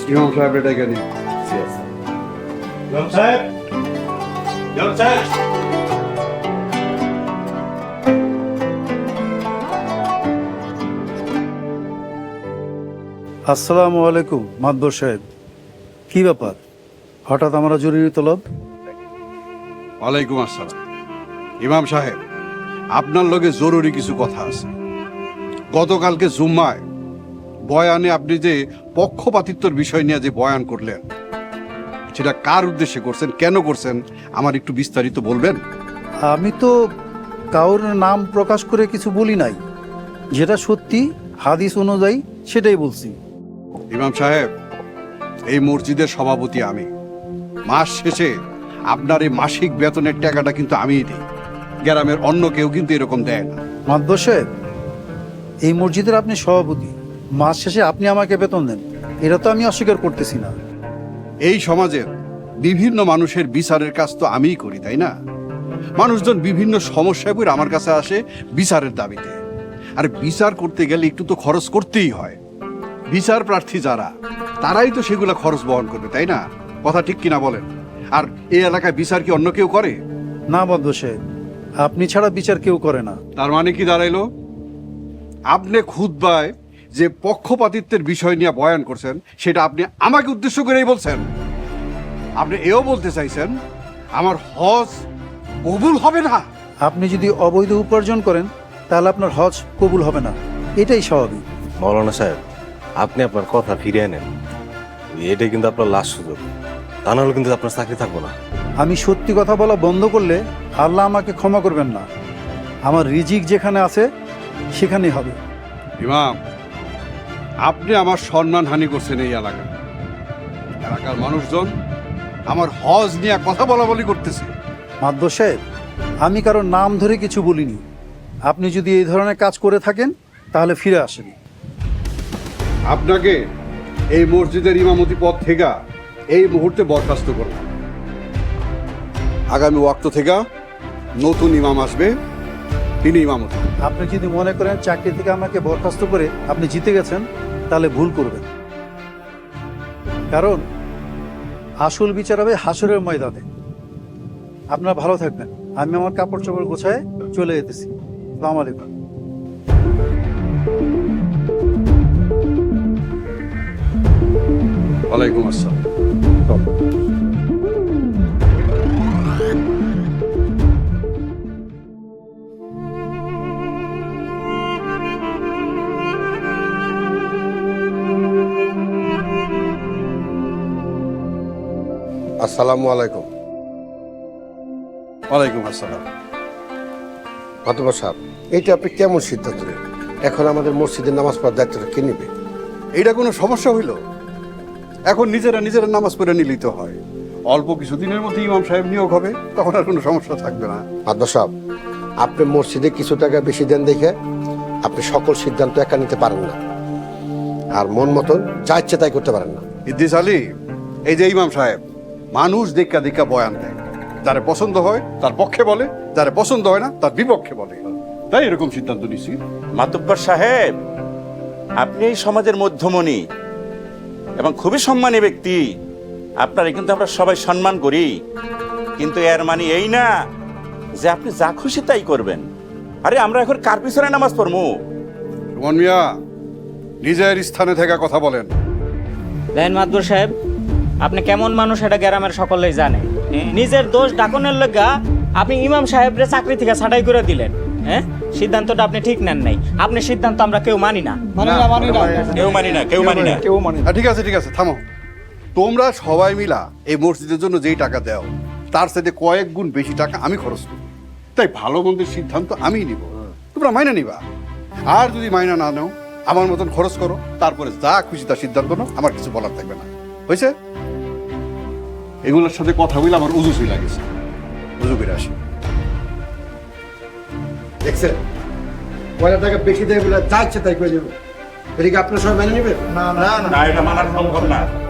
ইমাম সাহেব এটা কেন? ইমাম সাহেব, ইমাম সাহেব। আসসালামু আলাইকুম মাদবর সাহেব, কি ব্যাপার হঠাৎ আমরা জরুরি তলব? ওয়ালাইকুম আসসালাম। ইমাম সাহেব, আপনার লগে জরুরি কিছু কথা আছে। গতকালকে জুম্মায় বয়ানে আপনি যে পক্ষপাতিত্বর বিষয় নিয়ে যে বয়ান করলেন, সেটা কার উদ্দেশ্যে করছেন, কেন করছেন, আমার একটু বিস্তারিত বলবেন? আমি তো কারোর নাম প্রকাশ করে কিছু বলি নাই, যেটা সত্যি হাদিস অনুযায়ী সেটাই বলছি। ইমাম সাহেব, এই মসজিদের সভাপতি আমি। মাস শেষে আপনার এই মাসিক বেতনের টাকাটা কিন্তু আমিই দিই, গ্রামের অন্য কেউ কিন্তু এরকম দেয় না। মাদবর সাহেব, এই মসজিদের আপনি সভাপতি, মাস শেষে আপনি আমাকে বেতন দেন, এটা তো আমি অস্বীকার করতেছি না। এই সমাজের বিভিন্ন মানুষের বিচারের কাজ তো আমিই করি, তাই না? মানুষজন বিভিন্ন সমস্যায় পড়ে আমার কাছে আসে বিচারের দাবিতে। আর বিচার করতে গেলে একটু তো খরচ করতেই হয়। বিচার প্রার্থী যারা, তারাই তো সেগুলো খরচ বহন করবে, তাই না? কথা ঠিক কিনা বলেন? আর এই এলাকায় বিচার কি অন্য কেউ করে? না মাদবর সাহেব, আপনি ছাড়া বিচার কেউ করে না। তার মানে কি দাঁড়াইলো? আপনি খুতবায় যে পক্ষপাতিত্বের বিষয় নিয়ে বয়ান করছেন, সেটা আপনি আমাকে উদ্দেশ্য করেই বলছেন। আপনি এও বলতে চাইছেন আমার হজ কবুল হবে না? আপনি যদি অবৈধ উপার্জন করেন তাহলে আপনার হজ কবুল হবে না, এটাই স্বাভাবিক। মৌলানা সাহেব, আপনি আপনার কথা ফিরিয়ে নেন। এটাই কিন্তু আপনার লাস্ট সুযোগ, তা নাহলে কিন্তু আপনার চাকরি থাকবো না। আমি সত্যি কথা বলা বন্ধ করলে আল্লাহ আমাকে ক্ষমা করবেন না। আমার রিজিক যেখানে আছে সেখানেই হবে। ইমাম, আপনি আমার সম্মানহানি করছেন এই এলাকায়। এলাকার মানুষজন আমার হজ নিয়ে কথা বলা বলি করতেছে। মাদবর সাহেব, আমি কারোর নাম ধরে কিছু বলিনি। আপনি যদি এই ধরনের কাজ করে থাকেন তাহলে ফিরে আসেন। আপনাকে এই মসজিদের ইমামতি পদ থেকে এই মুহূর্তে বরখাস্ত করব। আগামী ওয়াক্ত থেকে নতুন ইমাম আসবে, তিনি ইমামতি। আপনি যদি মনে করেন চাকরি থেকে আমাকে বরখাস্ত করে আপনি জিতে গেছেন, তাহলে ভুল করবেন। কারণ আসল বিচার হবে হাসরের ময়দানে। আপনারা ভালো থাকবেন। আমি আমার কাপড় চোপড় গোছায় চলে যেতেছি। আসসালামু আলাইকুম। ওয়ালাইকুম আসসালাম। আসসালামু আলাইকুম। ওয়ালাইকুম আসসালাম। মাতবর সাহেব, এইটা আপনি কেমন সিদ্ধান্ত নেন? এখন আমাদের মসজিদের নামাজ পড়ার দায়িত্বটা কে নেবে? এইটা কোনো সমস্যা হইল? এখন নিজেরা নিজেরা নামাজ পড়ে নিলেই তো হয়। অল্প কিছুদিনের মধ্যে ইমাম সাহেব নিয়োগ হবে, তখন আর কোনো সমস্যা থাকবে না। মাতবর সাহেব, আপনি মসজিদে কিছু টাকা বেশি দেন দেখে আপনি সকল সিদ্ধান্ত একা নিতে পারেন না, আর মন মতন যা ইচ্ছে তাই করতে পারেন না। ইদ্রিস আলী, এই যে ইমাম সাহেব, মানুষ দেখা দেখা বয়ান দেয়। যারে পছন্দ হয় তার পক্ষে বলে, যারে পছন্দ হয় না তার বিপক্ষে বলে। তাই এরকম সিদ্ধান্ত নিছি। মাতব্বর সাহেব, আপনি এই সমাজের মধ্যমণি এবং খুবই সম্মানী ব্যক্তি। আপনারা কিন্তু আমরা সবাই সম্মান করি, কিন্তু এর মানে এই না যে আপনি যা খুশি তাই করবেন। আরে আমরা এখন কার পিছনে নামাজ পড়বো? রুমন মিয়া, নিজের স্থানে থেকে কথা বলেন। দেখেন মাদবর সাহেব, আপনি কেমন মানুষ এটা গ্রামের সকলেই জানে। নিজের দোষ ডাকনের লগা আপনি ইমাম সাহেবরে চাকরি থেকে ছাঁটাই করে দিলেন। হ্যাঁ, সিদ্ধান্তটা আপনি ঠিক নেন নাই। আপনার সিদ্ধান্ত আমরা কেউ মানি না। কেউ মানি না, কেউ মানি না। ঠিক আছে ঠিক আছে, থামো। তোমরা সবাই মিলা এই মসজিদের জন্য যেই টাকা দাও, তার সাথে কয়েক গুণ বেশি টাকা আমি খরচ করি। তাই ভালো মন্দের সিদ্ধান্ত আমিই নিব, তোমরা মাইনা নিবা। আর যদি মাইনা না নাও, আমার মতন খরচ করো, তারপরে যা খুশি তা সিদ্ধান্ত নাও, আমার কিছু বলার থাকবে না। হয়েছে? এগুলোর সাথে কথা বলে আমার উজুসই লাগেছে। উজু করে আসি। দেখছেন, পয়লা টাকা বেশি দেয় বলে যা ইচ্ছে তাই করে দেবে। এদিকে আপনার সবাই মেনে নেবেন? না, এটা মানা সম্ভব না।